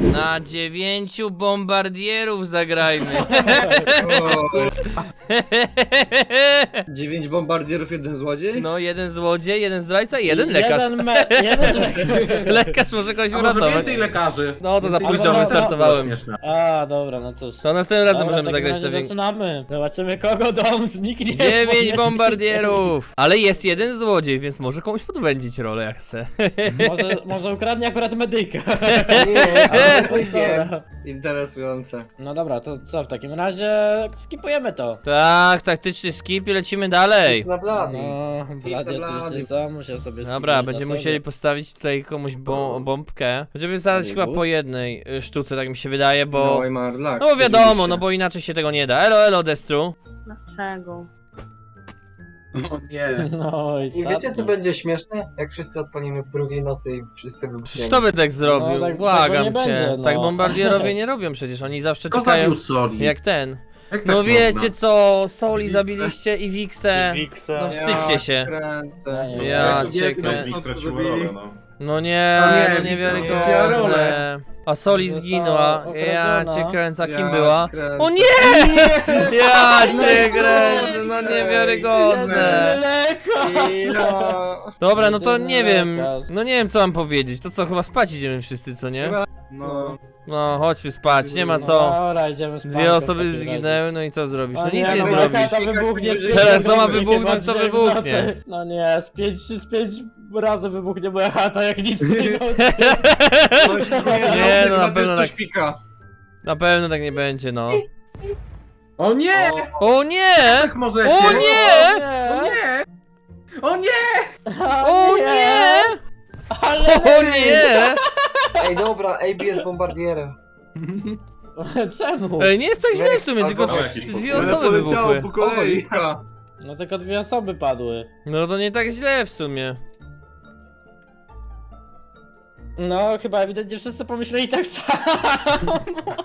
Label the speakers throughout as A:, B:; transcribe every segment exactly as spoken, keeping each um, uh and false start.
A: Na dziewięciu bombardierów zagrajmy.
B: Dziewięć bombardierów, jeden złodziej?
A: No, jeden złodziej, jeden zdrajca i jeden lekarz.
C: Jeden, me jeden lekarz.
A: Lekarz może kogoś
D: A może
A: uratować.
D: więcej lekarzy?
A: No to za
D: Więcej
A: późno
D: lekarzy.
A: wystartowałem.
D: Śmieszne.
C: A, dobra, no cóż.
A: To następnym razem
C: Dobra,
A: możemy
C: w takim
A: zagrać
C: razie
A: te większe.
C: zaczynamy. Zobaczymy, kogo dom zniknie.
A: Dziewięć bombardierów! Ale jest jeden złodziej, więc może komuś podwędzić rolę jak chce.
C: Może, może ukradnie akurat medyka.
B: Nie,
C: Dobra.
B: interesujące.
C: No dobra, to co w takim razie skipujemy to.
A: Tak, taktyczny skip i lecimy dalej.
B: Na blady.
C: No, Bladzie
B: Blady.
C: oczywiście sam musiał sobie
A: Dobra,
C: skipnąć
A: będziemy
C: na
A: musieli
C: sobie.
A: postawić tutaj komuś bom bombkę. Będziemy zadać chyba po jednej y, sztuce, tak mi się wydaje, bo...
B: No i Marlak.
A: No bo wiadomo, no bo inaczej się tego nie da. Elo, elo, Destru.
E: Dlaczego?
D: O nie.
C: No i
F: I wiecie co
C: sadnie.
F: będzie śmieszne? Jak wszyscy odpalimy w drugiej nocy i wszyscy
A: Przecież
F: wybuchniemy.
A: to by tak zrobił,
C: No, tak-
A: błagam
C: tego nie
A: cię.
C: będzie, no.
A: Tak bombardierowie nie robią przecież, oni zawsze
D: Kto
A: czekają
D: zabił Soli?
A: jak ten.
D: Jak
A: No
D: tak
A: wiecie
D: można?
A: co, Soli
D: Wiksę.
A: zabiliście i Wiksę.
G: Wiksa.
A: No wstydźcie się.
B: Kręcę.
C: Ja
A: Ja
D: Jezu,
A: cię
D: jak
A: krę...
D: to
G: Wik straciło rolę, no.
A: No nie,
D: No nie,
A: no
D: Wiksa straciła
A: niewiarygodne.
D: rolę.
A: A Soli
C: Została
A: zginęła. Ja
C: okradziona.
A: cię kręcę, a kim
B: Ja
A: była?
B: kręcę.
A: O nie! Ja cię kręcę, no niewiarygodne.
C: Lekarz!
B: Ja...
A: Dobra, no to
C: Jedyny
A: nie wiem,
C: lekarz.
A: no nie wiem co mam powiedzieć. To co, chyba spać idziemy wszyscy, co nie?
B: No.
A: No, chodźmy spać, nie ma
C: No
A: co.
C: dobra, idziemy spać.
A: Dwie
C: w
A: osoby
C: takim razie.
A: zginęły, no i co zrobisz? No
C: O
A: nic
C: nie,
A: nie
C: no
A: zrobisz.
C: lekarz to wybuchnie z
A: Teraz to ma
C: pięć
A: wybuchnąć,
C: razy
A: to
C: chyba
A: wybuchnie.
C: w nocy. No nie, z pięć, z pięć razy wybuchnie moja chata, jak nic nie nocy.
A: Nie, no na
B: Chyba też
A: pewno
B: coś
A: tak.
B: pika.
A: Na pewno tak nie będzie, no.
D: O nie!
A: O nie!
D: Jak możecie?
A: O nie!
D: O nie! O nie!
A: O nie!
C: Ale
A: O nie!
F: Ej dobra, A B jest bombardierem.
C: Czemu?
A: Ej, nie jest tak źle w sumie, tylko
F: Albo
A: trz-
G: jakieś
A: dwie
G: podpowiedzi.
A: osoby wybuchły.
G: po kolei.
B: Pika.
C: No tylko dwie osoby padły.
A: No to nie tak źle w sumie.
C: No chyba ewidentnie wszyscy pomyśleli tak samo.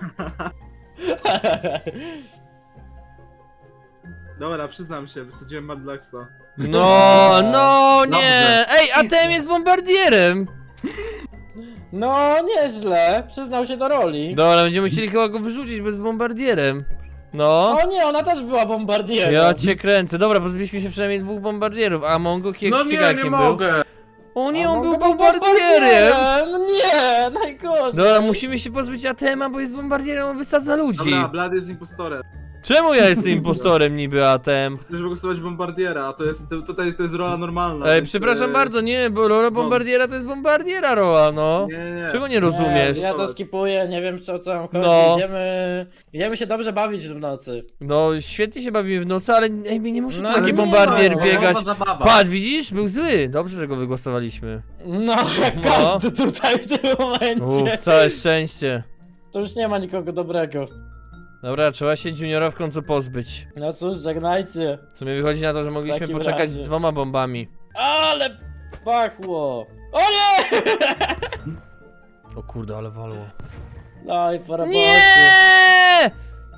H: Dobra, przyznam się, wysadziłem Madlaxa.
A: No, no nie!
D: Dobrze.
A: Ej, a tem jest bombardierem!
C: No nieźle, przyznał się do roli.
A: Dobra, będziemy musieli chyba go wyrzucić bez bombardierem. No.
C: O nie, ona też była bombardierem.
A: Ja cię kręcę. Dobra, pozbyliśmy się przynajmniej dwóch bombardierów, a Mongo kie
D: No
A: ciekawe
D: nie, nie
A: kim był.
D: mogę.
A: O nie,
C: A
A: on był
C: Mongo
A: bombardierem!
C: No nie, najgorzej.
A: Dobra, musimy się pozbyć Atema, bo jest bombardierem, on wysadza ludzi.
H: Dobra, Blad jest impostorem.
A: Czemu ja jestem impostorem niby Atem?
H: Chcesz wygłosować bombardiera, a to jest, to, tutaj to jest rola normalna.
A: Ej,
H: więc,
A: przepraszam
H: e,
A: bardzo, nie, bo rola bombardiera to jest bombardiera rola, no.
H: Nie, nie.
A: Czego nie rozumiesz?
C: Nie, ja to skipuję, nie wiem co, co tam chodzi.
A: No.
C: Idziemy, idziemy się dobrze bawić w nocy.
A: No, świetnie się bawimy w nocy, ale ej, nie muszę
C: No,
A: tu taki
C: ale nie
A: bombardier
C: ma,
A: biegać.
D: Zabawa, zabawa.
A: Patrz, widzisz? Był zły. Dobrze, że go wygłosowaliśmy.
C: No, jak
A: No.
C: każdy tutaj w tym momencie.
A: Uff, całe szczęście.
C: To już nie ma nikogo dobrego.
A: Dobra, trzeba się Juniora w końcu pozbyć.
C: No cóż, żegnajcie.
A: W sumie wychodzi na to, że mogliśmy
C: takim
A: poczekać
C: razie.
A: z dwoma bombami.
C: Ale pachło. O nie!
A: O kurde, ale walło.
C: No i po robocie.
A: Nie!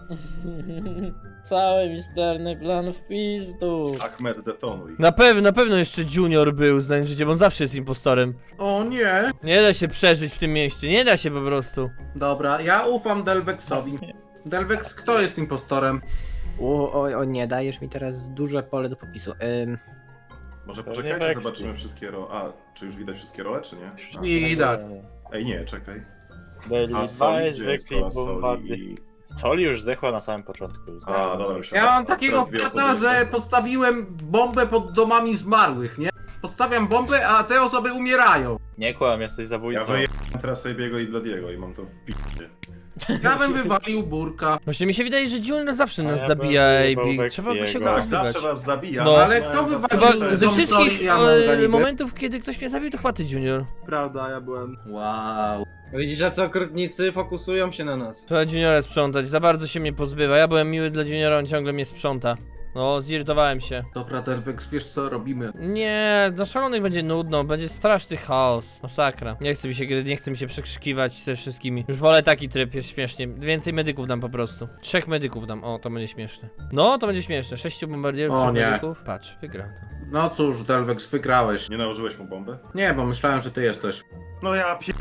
C: Cały misterny plan w pizdu.
G: Ahmed, detonuj.
A: Na pewno, na pewno jeszcze Junior był, znając życie, bo on zawsze jest impostorem.
D: O nie.
A: Nie da się przeżyć w tym mieście, nie da się po prostu.
D: Dobra, ja ufam Delvexowi. Delvex, kto jest impostorem?
I: O, o, o nie, dajesz mi teraz duże pole do popisu. Ym,
G: Może To nie poczekajcie, Vexy. zobaczymy wszystkie role. A, czy już widać wszystkie role, czy nie? A.
D: Widać.
G: Ej, nie, czekaj. A
J: Daily
G: Soli,
J: Advice,
G: gdzie jest
J: zwykli
G: rola
J: bombardy.
G: Soli?
J: Soli już zdechła na samym początku.
G: A, dobra,
D: Ja mam
G: Teraz
D: takiego
G: dwie
D: wpata,
G: osoby
D: że
G: jeszcze.
D: postawiłem bombę pod domami zmarłych, nie? Podstawiam bombę, a te osoby umierają.
J: Nie kłam, jesteś
G: Ja
J: zabójcą.
G: wyjechałem teraz Sabiego i Bladiego i mam to w picie.
D: Ja bym wywalił burka.
A: Właśnie mi się wydaje, że Junior zawsze
J: A
A: nas
J: ja
A: zabija,
J: bym
A: ej,
J: wyjebał
A: Big.
J: Wexiego.
A: Trzeba by się go
J: Tak,
G: Tak,
A: pozbywać.
G: zawsze was zabija.
A: No.
D: Ale kto wywalił
A: Chyba
D: Są
A: ze wszystkich
D: Soli, ja mam
A: e,
D: galibę.
A: momentów, kiedy ktoś mnie zabił, to chyba ty, Junior.
H: Prawda, ja byłem.
D: Wow.
B: Widzisz, że co okrutnicy fokusują się na nas.
A: Trzeba Juniora sprzątać, za bardzo się mnie pozbywa. Ja byłem miły dla Juniora, on ciągle mnie sprząta. No, zirytowałem się.
D: Dobra, Delvex, wiesz co robimy?
A: Nie, na szalonych będzie nudno, będzie straszny chaos. Masakra. Nie chce mi się, nie chce mi się przekrzykiwać ze wszystkimi. Już wolę taki tryb, jest śmiesznie. Więcej medyków dam po prostu. Trzech medyków dam, o, to będzie śmieszne. No, to będzie śmieszne. Sześciu bombardierów,
D: O
A: trzech
D: nie.
A: medyków. Patrz, wygra to.
D: No cóż, Delvex, wygrałeś.
G: Nie nałożyłeś mu bombę?
D: Nie, bo myślałem, że ty jesteś.
G: No ja pier...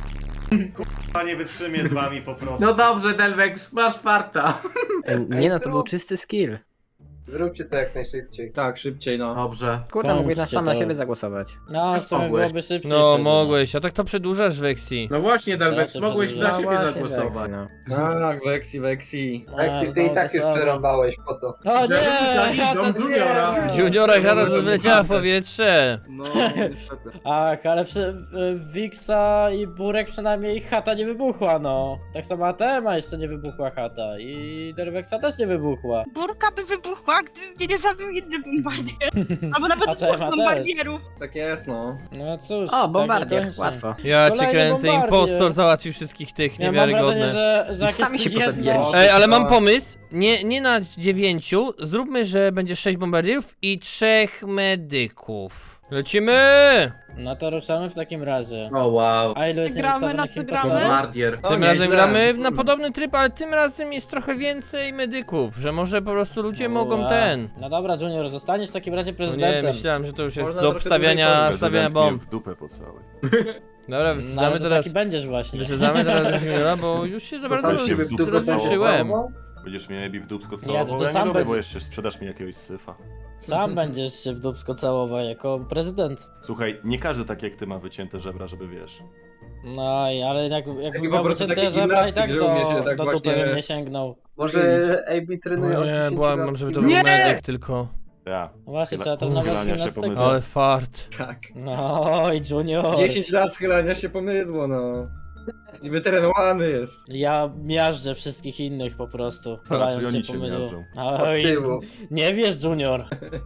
G: A nie wytrzymię z wami po prostu.
D: No dobrze, Delvex, masz farta.
I: E, Nie no, to był czysty skill.
F: Zróbcie to jak najszybciej.
B: Tak, szybciej no.
D: Dobrze.
I: Kurde, mógłbyś na
C: Kończcie
I: sam na
C: to.
I: siebie zagłosować.
C: No,
D: Już
C: w sumie
D: mogłeś.
C: byłoby szybciej.
A: No,
C: wtedy,
A: mogłeś, a tak to przedłużasz, Vexi.
D: No właśnie, Delvex,
C: Ja się
D: mogłeś
C: przedłużam.
D: na
I: No
D: siebie
I: właśnie,
D: zagłosować.
I: Weksy, no.
B: Tak, Vexi, Vexi.
C: A,
F: Jak ty
C: znowu
F: i tak
C: to
F: już
C: samo.
F: przerąbałeś, po co?
C: O
D: Żeby
C: nie! Ja
D: dom
C: to
D: Juniora.
C: nie!
A: Juniora Hara wleciała w powietrze.
H: No, niestety.
C: Ach, ale przy, y, Wixa i Burek przynajmniej chata nie wybuchła, no. Tak samo A T M a jeszcze nie wybuchła chata i Derwexa też nie wybuchła.
E: Burka by wybuchła, gdyby mnie nie zabił inny bombardier. Albo nawet
C: A
E: dwóch
C: też, a też.
E: bombardierów.
B: Tak jest no.
C: No cóż,
I: O,
C: tak
I: bombardier,
C: kończy.
I: łatwo.
A: Ja cię
C: Kolejny
A: kręcę,
C: bombardier.
A: impostor załatwił wszystkich tych,
C: Ja mam wrażenie,
A: niewiarygodne.
C: że, że jak
I: Sami
C: jest
I: się
C: jedno...
I: pozabijaliście.
A: Ej, ale mam pomysł. Nie, nie na dziewięciu, zróbmy, że będzie sześć bombardierów i trzech medyków. Lecimy!
C: No to ruszamy w takim razie.
D: O wow.
C: A ilu jest
E: Gramy, na
C: niewystawionych
E: co
C: impostorów?
E: gramy?
D: Bombardier.
B: O,
A: Tym
B: nieźle.
A: razem gramy na podobny tryb, ale tym razem jest trochę więcej medyków, że może po prostu ludzie mogą
C: Ua.
A: ten.
C: No dobra, Junior, zostaniesz w takim razie
A: No nie,
C: prezydentem.
A: myślałem, że to już jest
B: Można
A: do
B: trochę
A: obstawiania,
B: dłużej
A: stawiania bomb.
G: w dupę po całej.
A: Dobra,
C: No, ale
A: wysadzamy
C: to
A: teraz.
C: taki będziesz właśnie.
A: Wysadzamy teraz Juniora, bo już się za bardzo
G: Zostańcie
A: roz-
G: w dupę
A: rozjuszyłem.
G: Będziesz mnie Ebi w dupsko
C: Nie,
G: całował,
C: to ty
G: ja
C: sam
G: nie lubię, bo
C: będziesz-
G: jeszcze sprzedasz mi jakiegoś syfa.
C: Sam będziesz się w dupsko całował jako prezydent.
G: Słuchaj, nie każdy tak jak ty ma wycięte żebra, żeby wiesz.
C: No i ale jak, jak
B: Taki
C: miał
B: po prostu
C: wycięte
B: taki
C: żebra i tak
B: gimnastyk, że umie
C: do,
B: się tak
C: do dupy
B: właśnie-
C: bym nie sięgnął.
F: Może A B trenuje
A: O
F: od
A: nie,
F: dziesięciu
A: byłem,
F: lat.
A: żeby to był
D: Nie!
A: medyk tylko.
G: Ja.
C: Właśnie,
G: Schyla-
C: trzeba to nawet
G: schylania się
C: gimnastykę.
G: pomydło.
A: Ale fart.
B: Tak.
C: No i Junior.
B: dziesięć lat schylania się pomydło no. I wytrenowany jest.
C: Ja miażdżę wszystkich innych po prostu.
G: czyli
C: Chylając
G: oni
C: się
G: cię
C: pomydło.
G: miażdżą.
F: Od
C: Oj,
F: tyłu.
C: nie wiesz Junior.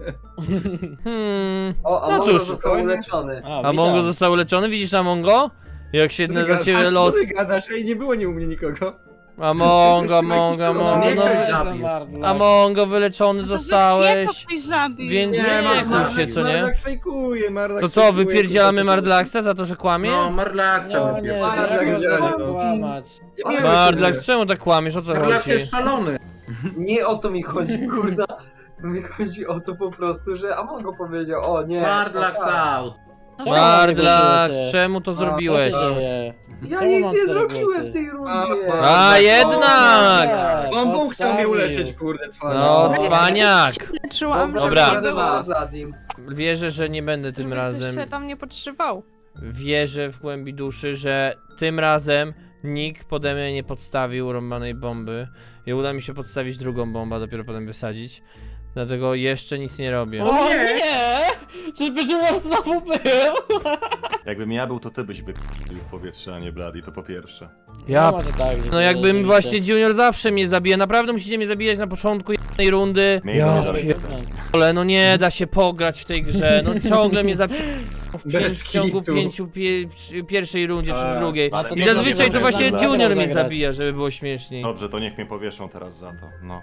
A: Hmm.
F: O, a
A: No
F: Mongo
A: cóż,
F: został
B: spokojnie.
F: uleczony.
C: A,
A: A
C: witam.
A: Mongo został uleczony, widzisz na Mongo? Jak się na za ciebie los.
B: Ty gadasz, ej, nie było nie u mnie nikogo.
A: A Mongo,
B: Jesteś
A: Mongo,
B: jakiś
A: Mongo,
D: Nie
A: no.
D: ktoś zabił.
A: A Mongo wyleczony
E: No to
A: zostałeś.
E: Wexiego ktoś zabił.
A: Więc
D: Nie,
A: nie,
D: Mark-
A: kłóć się, co nie?
B: Mardlax fejkuje, Mardlax
A: To co,
B: fejkuje,
A: wypierdzielamy
B: kurwa,
A: Mardlaxa za to, że kłamie?
D: No, Marlaxa
C: No nie,
D: wypierdziela.
B: Mardlax
C: jak
B: działa,
C: można
B: no.
C: kłamać.
B: Nie wiem,
A: Mardlax, czemu tak kłamiesz? O co
D: Marlax
A: chodzi?
D: jest szalony.
F: Nie o to mi chodzi, kurda. Mi chodzi o to po prostu, że Amongo powiedział, o nie.
D: Mardlax
F: o tak.
D: out.
C: Czemu
A: Mardlax,
C: głosujecie?
A: czemu to
C: A,
A: zrobiłeś?
C: co się dzieje?
F: Ja
C: Czemu
F: nic
C: mam
F: nie
C: cztery
F: zrobiłem
C: głosy?
F: w tej rundzie.
A: A jednak!
C: Tak,
B: On Bóg chciał mnie
C: odstawił.
B: uleczyć, kurde, cwana.
A: No, cwaniak!
E: Leczyłam.
A: Dobra.
F: Za nim.
A: Wierzę, że nie będę tym razem.
E: się tam nie podszywał.
A: Wierzę w głębi duszy, że tym razem nikt pode mnie nie podstawił rąbanej bomby. I uda mi się podstawić drugą bombę, a dopiero potem wysadzić. Dlatego jeszcze nic nie robię.
C: O nie! Czyżby Junior znowu był?
G: Jakbym ja był, to ty byś wypił w powietrze, a nie Bloody, to po pierwsze.
A: Ja
C: No, może tak,
A: No jakbym właśnie Junior zawsze mnie zabija, naprawdę musicie mnie zabijać na początku jednej rundy.
G: Miejmy
A: Ja
G: dalej.
A: pierdolę, no nie da się pograć w tej grze, no ciągle mnie zabija w,
B: Bez
A: pięć, w ciągu
B: kitu.
A: pięciu pie, przy pierwszej rundzie czy w drugiej.
C: A to
A: I
C: nie
A: zazwyczaj to
C: dobrze,
A: właśnie
C: dobrze,
A: Junior mnie
C: zagrać.
A: zabija, żeby było śmieszniej.
G: Dobrze, to niech mnie powieszą teraz za to. No.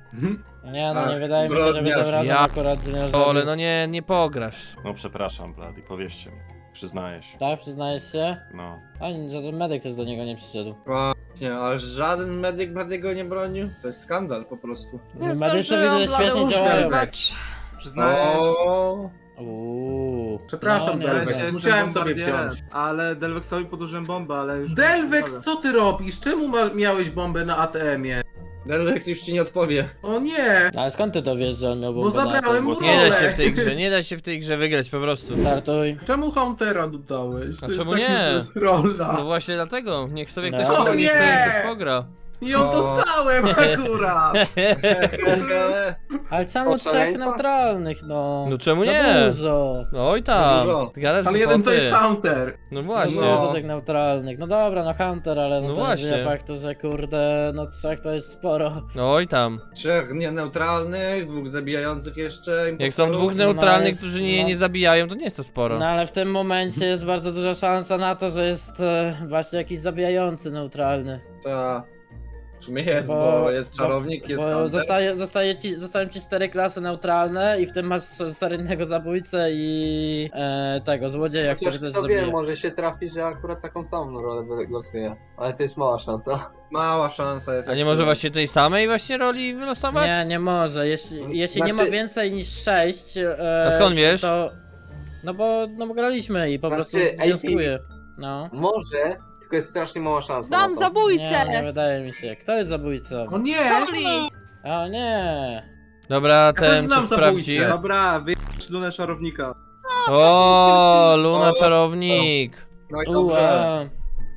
C: Nie no, nie
B: Ach,
C: wydaje mi się, żeby tym
B: zbrodniarz.
C: razem
A: Ja
C: akurat Junior
A: Ale
C: zrobił.
A: no nie, nie pograsz.
G: No przepraszam, Bloody, powierzcie mi. Przyznaję się.
C: Tak, przyznajesz się?
G: No.
C: Ani żaden medyk też do niego nie przyszedł.
B: Właśnie, ale żaden medyk Bladiego nie bronił. To jest skandal po prostu.
C: Medycy widzę, że świetnie działają.
H: Przyznajesz?
B: O,
C: Uuu.
D: Przepraszam,
C: No, nie,
D: Delvex,
H: Ja jestem
D: musiałem sobie
H: bombardierem,
D: wziąć.
H: Ale Delvexowi podłożyłem bombę, ale już...
D: Delvex, co ty robisz? Czemu masz, miałeś bombę na A T M-ie?
B: Delvex już ci nie odpowie.
D: O nie!
C: Ale skąd ty to wiesz, że on miał
D: Bo
C: bombę na
D: zabrałem
C: tym?
D: mu
A: Nie da
D: rolę.
A: się w tej grze, nie da się w tej grze wygrać po prostu.
C: Startuj.
D: Czemu Huntera dodałeś?
A: A
D: To jest
A: czemu
D: taki
A: nie?
D: zus rola.
A: No właśnie dlatego, niech sobie
C: No.
A: ktoś pogra, niech sobie
D: Nie!
A: ktoś pogra.
D: I ją
B: O.
D: dostałem akurat!
B: Hehehe.
C: Ale czemu
F: O,
C: trzech
F: szaleństwa?
C: neutralnych, no?
A: No czemu
C: No
A: nie?
C: dużo.
A: No oj tam,
B: Dużo.
A: ty gadasz
D: Ale jeden to
A: głupoty.
D: jest Hunter.
A: No
C: No.
A: właśnie.
C: Dużo tych neutralnych. No dobra, no Hunter, ale no,
A: No
C: to nie
A: właśnie.
C: zmienia faktu, że kurde, no trzech to jest sporo.
A: No oj tam.
B: Trzech nieneutralnych, dwóch zabijających jeszcze.
A: Jak są
B: impostorów.
A: dwóch
C: no
A: neutralnych,
C: jest-
A: którzy nie,
C: no.
A: nie zabijają, to nie jest to sporo.
C: No ale w tym momencie jest bardzo duża szansa na to, że jest e, właśnie jakiś zabijający neutralny.
B: Ta. W sumie jest,
C: Bo-
B: bo, jest czarownik, jest
C: Bo
B: Hunter.
C: zostaje, zostaje ci, zostają ci cztery klasy neutralne i w tym masz seryjnego zabójcę i e, tego złodzieja, który
F: Chociaż
C: też
F: kto
C: zabije.
F: wie, może się trafi, że akurat taką samą rolę głosuje. Ale to jest mała szansa.
B: Mała szansa jest.
A: A nie
B: jak
A: może
B: to-
A: właśnie tej samej właśnie roli wylosować?
C: Nie, nie może. Jeśli, jeśli nie ma
F: Znaczy-
C: więcej niż sześć. E,
A: A skąd wiesz?
C: To, no bo no bo graliśmy i po
F: Znaczy,
C: prostu
F: A P
C: wnioskuję. No.
F: Może, tylko jest strasznie mała szansa.
K: Dam
F: na to.
K: zabójcę!
C: Nie, nie wydaje mi się. Kto jest zabójcą?
D: O nie!
K: Soli!
C: O nie!
A: Dobra,
D: też
A: ten
D: znam
A: co sprawdzi.
D: zabójcę.
H: Dobra, wyjść lunę szarownika.
A: O, Luna czarownik.
B: No i dobrze.
C: Ua.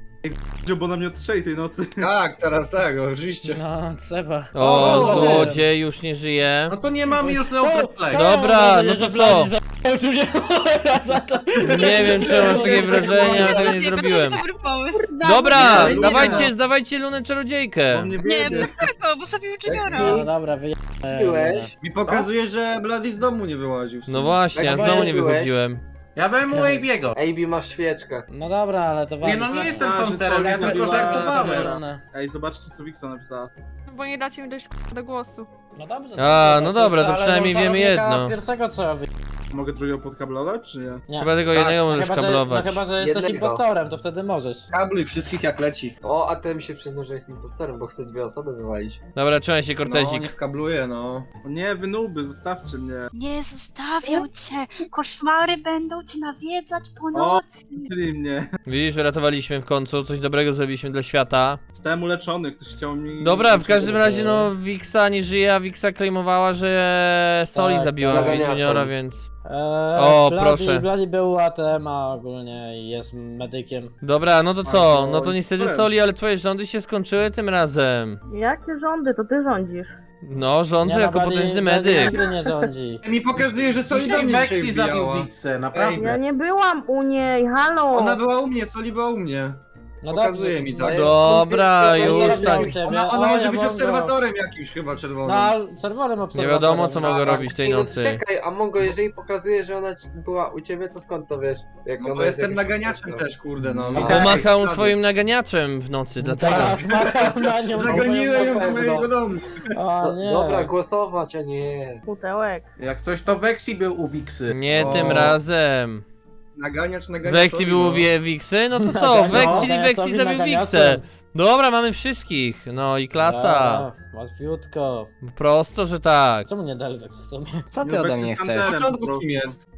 H: Bo na mnie odstrzeli tej nocy.
B: Tak, teraz tak, oczywiście.
C: No, trzeba.
A: O,
C: O,
A: złodziej już nie żyje.
D: No to nie mamy już
C: Co?
D: Neoplay.
C: Co?
A: Dobra,
C: Może
A: no
C: nie,
A: to
C: że
A: co?
C: Blady za- nie za to.
A: Nie wiem, czy masz takie wrażenie, ale tego nie
E: To
A: zrobiłem.
E: jest dobry pomysł.
A: Dobra,
B: Nie, nie,
A: dawajcie,
B: nie.
A: zdawajcie Lunę czarodziejkę.
H: On nie
E: Nie,
H: wie.
E: dlaczego? Bo zabił Juniora.
C: No dobra, wyjechałem.
F: Byłeś?
B: Mi pokazuje, że Bloody z domu nie wyłaził. w sumie.
A: No właśnie, ja
F: Jak
A: znowu nie
F: byłeś?
A: wychodziłem.
D: Ja byłem u Abiego.
F: A B masz świeczkę.
C: No dobra, ale to
D: Nie
C: ważne.
D: no, nie jestem
H: A, że
D: counterem, ja
H: Soli
D: tylko
H: zabiła-
D: żartowałem.
H: Ej, zobaczcie co Wiksa napisała.
K: No bo nie dacie mi dojść do głosu.
C: No dobrze.
A: A,
C: dobrze,
A: no dobra, to
C: ale
A: przynajmniej
C: do
A: wiemy
C: czarownika
A: jedno.
C: Pierwszego trzeba wy...
H: Mogę drugiego podkablować, czy nie?
C: Nie.
A: Chyba tylko
B: Tak,
A: jednego
C: No
A: możesz
C: chyba, że, no
A: kablować.
C: chyba, że jesteś
F: Jednego.
C: impostorem, to wtedy możesz.
B: Kabluj wszystkich jak leci.
F: O, a ten mi się przyznał, że jest impostorem, bo chce dwie osoby wywalić.
A: Dobra, trzymaj się,
B: No,
A: Cortezik.
B: niech kabluje, no.
H: O nie, wy nuby, zostawcie mnie.
E: Nie zostawiał cię. Koszmary będą cię nawiedzać po
H: O,
E: nocy.
H: czyli mnie.
A: Widzisz, uratowaliśmy w końcu, coś dobrego zrobiliśmy dla świata.
H: Zostałem uleczony, ktoś chciał mi...
A: Dobra, w każdym razie no Wixa nie żyje, a Wixa claimowała, że Soli
C: Tak,
A: zabiła
C: tak.
A: Juniora, więc...
C: Eee,
A: O,
C: Bloody,
A: proszę.
C: Bloody był A T M a ogólnie i jest medykiem.
A: Dobra, no to co? No to
H: no,
A: niestety
H: powiem.
A: Soli, ale twoje rządy się skończyły tym razem.
K: Jakie rządy? To ty rządzisz.
A: No, rządzę
C: Nie,
A: jako
C: no, Bloody-
A: potężny
C: Bloody
A: medyk.
C: nigdy nie rządzi.
B: Mi pokazuje, że Soli do
D: Dzisiaj
B: mnie
D: Vexi
B: dzisiaj
D: zabił
B: wbijała.
D: Wixę, naprawdę.
K: Ja nie byłam u niej, halo!
B: Ona była u mnie, Soli była u mnie.
C: No
B: Pokazuje
C: dobrze.
B: mi tak.
A: Dobra,
C: No,
A: już
C: zarobił
A: tak.
C: u ciebie.
B: Ona,
C: O,
B: ona może
C: ja
B: być
C: mogę.
B: obserwatorem jakimś chyba
C: No,
B: czerwonym.
C: ale czerwonym
A: Nie
C: obserwatorem.
A: wiadomo, co mogę
B: Tak.
A: robić tej
F: Ej, no
A: nocy.
F: czekaj, a Mongo, jeżeli pokazuje, że ona ci- była u ciebie, to skąd to wiesz? Jak
B: No
F: ona
B: bo
F: jest
B: jestem
F: jakaś
B: naganiaczem
F: impostor?
B: też, kurde no.
A: I
B: Widzę
A: pomachał
B: jakieś ślady.
A: swoim naganiaczem w nocy, dlatego.
C: Tak, machał na nią.
B: Zagoniłem ją do
F: pewno.
B: mojego domu.
C: O
F: No,
C: nie.
F: dobra, głosować, a nie.
K: Putełek.
D: Jak coś to Vexi był u Wixy.
A: Nie
B: O.
A: tym razem.
B: Naganiacz, naganiacz.
A: Weksi
B: Soli,
A: było
B: no.
A: wie Wiksy? No to co?
C: Naganiacz,
A: Weksi, czyli
C: naganiaczowi
A: Weksi zabił
C: naganiaczem.
A: Wiksę. Dobra, mamy wszystkich. No i klasa.
C: Łatwiutko.
A: Prosto, że tak.
C: Czemu nie Delvex w sumie?
I: Co ty ode mnie chcesz?
B: Na początku kim jest?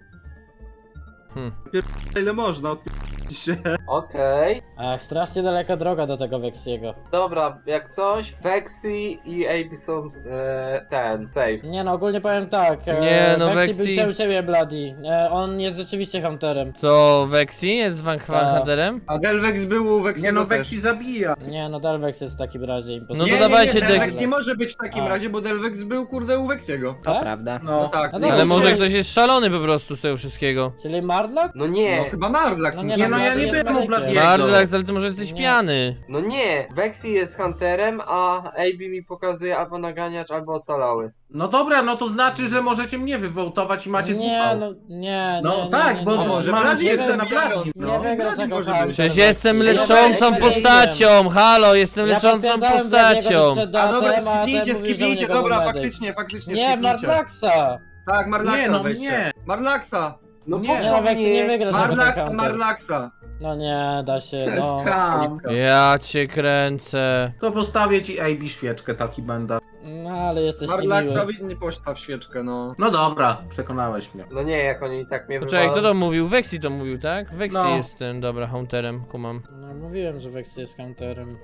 H: Ile można, odpierdź się.
F: Okej.
C: Ach, strasznie daleka droga do tego Vexiego.
F: Dobra, jak coś, Vexi i A B są e, ten, safe.
C: Nie no, ogólnie powiem tak. e,
A: Nie, no,
C: Vexi
A: Vexi-
C: był u ciebie, Bloody. E, on jest rzeczywiście hunterem.
A: Co, Weksi jest Van
C: Tak.
A: Hunterem?
B: A Delvex był u Vexiego
D: Nie no,
B: też.
D: Vexi zabija.
C: Nie no, Delvex jest w takim razie
A: No
C: impostorem.
A: to
B: nie,
A: dawajcie
B: nie, nie, Delvex
A: dek-
B: nie może być w takim
C: A.
B: razie, bo Delvex był kurde u Vexiego.
I: To
C: Tak?
I: prawda.
B: No
D: No.
B: tak.
C: No
B: nie,
C: dobra,
A: Ale może
C: czyli-
A: ktoś jest szalony po prostu z tego wszystkiego.
C: Czyli Mardlock?
F: No
B: No
F: nie,
B: chyba Mardlax
C: No
B: musi
C: nie,
D: Nie no,
B: być.
D: ja
C: Bloody
D: nie
C: jest
D: byłem u
C: medykiem.
D: Bladiego.
A: Mardlax, ale ty może jesteś
C: Nie.
A: pijany.
F: no nie. Vexi jest hunterem, a A B mi pokazuje albo naganiacz, albo ocalały.
D: No dobra, no to znaczy, że możecie mnie wywołtować i macie
C: Nie,
D: dupał.
C: no, nie,
D: No
C: nie, nie,
D: tak,
C: nie,
D: bo
C: nie,
B: może
D: mam
B: Bladi
D: jeszcze
B: jest
D: na
B: zabijający.
D: Bladim.
C: Nie
B: No,
C: wygrasz
B: Bladi
C: jako
B: może
C: hunter.
B: być.
A: Przecież jestem
C: Ja
A: leczącą
C: Bladiego
A: postacią. Halo, jestem
C: Ja
A: leczącą
C: potwierdzałem
A: postacią.
C: Bladiego, że przed
B: A dobra,
C: datem, a ten
B: skipnijcie,
C: mówił, że u
B: skipnijcie,
C: niego
B: dobra,
C: był medyk.
B: faktycznie, faktycznie,
C: Nie,
B: skipnijcie.
C: Mardlaxa!
B: Tak, Marlaxa
D: Nie, no
B: weźcie.
D: nie.
B: Marlaxa.
F: No
D: Nie,
F: po
C: Nie
F: co
C: no, Vexi nie
F: mnie?
C: wygrasz jako
B: Marlaxa,
C: hunter.
B: Marlaxa.
C: No nie, da się,
D: To jest
C: no.
D: skam.
A: Ja cię kręcę.
D: To postawię ci A B świeczkę, taki będę.
C: No ale jesteś niemiły.
B: Marlaxowi nie postaw świeczkę, no.
D: No dobra, przekonałeś mnie.
F: No nie, jak oni i tak mnie
A: Poczekaj, kto
F: wywalą.
A: to mówił? Weksi to mówił, tak? Weksi
D: No.
A: jest tym, dobra, hunterem, kumam.
C: No mówiłem, że Vexi jest counterem.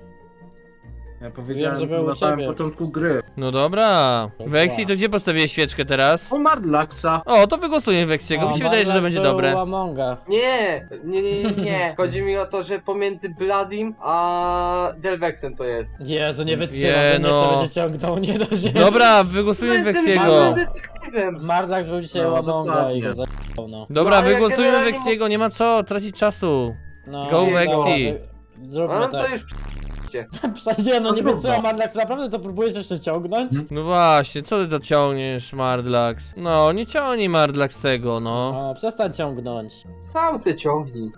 D: Ja powiedziałem
C: że
D: to
C: był u
D: na samym
C: ciebie.
D: początku gry.
A: No dobra. Weksi, to gdzie postawiłeś świeczkę teraz?
D: U Mardlaxa.
A: O, to wygłosuję Weksiego, mi się wydaje, że to będzie dobre.
C: Amonga.
F: Nie, nie, nie, nie, nie. Chodzi mi o to, że pomiędzy Bladim a Delvexem to jest.
C: Jezu, nie wytrzymam,
A: Je,
C: ten
A: no.
C: jeszcze będzie ciągnął, nie da się.
A: Dobra, wygłosujmy
F: No, jestem
A: Weksiego.
F: żadnym detektywem.
C: Mardlax był dzisiaj
D: No,
C: u Amonga i
D: dokładnie.
C: go zajebał, no.
A: Dobra,
F: No, ale ja
A: wygłosujmy
F: generalnie
A: Weksiego, nie ma co tracić czasu.
C: no
A: Go
C: dobra,
A: Vexi.
C: wy- Zróbmy
F: No to
C: tak.
F: już
C: Przecież no nie
D: No
C: wytrzymam,
D: trudno.
C: Mardlax, naprawdę to próbujesz jeszcze ciągnąć?
A: No właśnie, co ty to ciągniesz, Mardlax? No, nie ciągnij Mardlax tego, no.
C: O, przestań ciągnąć.
F: sam se ciągnij.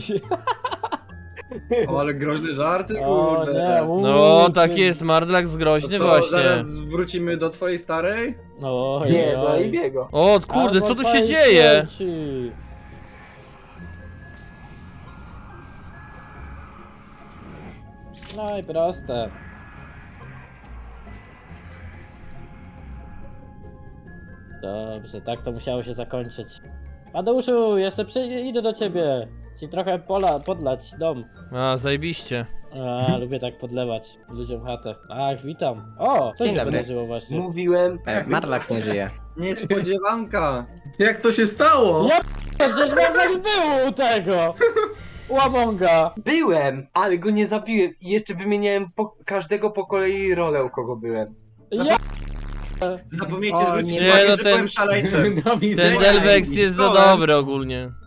B: O, ale groźne żarty,
C: O
B: kurde.
C: nie, uuu,
A: No,
C: ty-
A: tak jest, Mardlax
B: To
A: groźny
B: co,
A: właśnie.
B: zaraz wrócimy do twojej starej?
C: Oj,
F: Nie, do
C: oj.
F: Ibiego.
A: O, kurde,
C: Albo
A: co tu się
C: twojej
A: dzieje?
C: śmierci. No i proste. Dobrze, tak to musiało się zakończyć. Adeuszu, jeszcze przy... idę do ciebie. Ci trochę pola, podlać dom.
A: A, zajebiście.
C: A, lubię tak podlewać ludziom chatę. Ach, witam. O, co
I: Dzień
C: się
I: dobry.
C: wydarzyło właśnie?
F: Mówiłem.
I: E, Marlax nie żyje.
B: Niespodziewanka.
D: Jak to się stało?
C: Ja przecież Marlax był u tego! U Amonga.
F: Byłem, ale go nie zabiłem. I jeszcze wymieniałem po, każdego po kolei rolę, u kogo byłem.
C: Ja...
B: Zapomniecie
I: O,
B: zwrócić
I: nie,
B: uwagę,
A: no
B: że
A: ten-
B: byłem szaleńcem.
A: Ten Delvex jest za dobry ogólnie.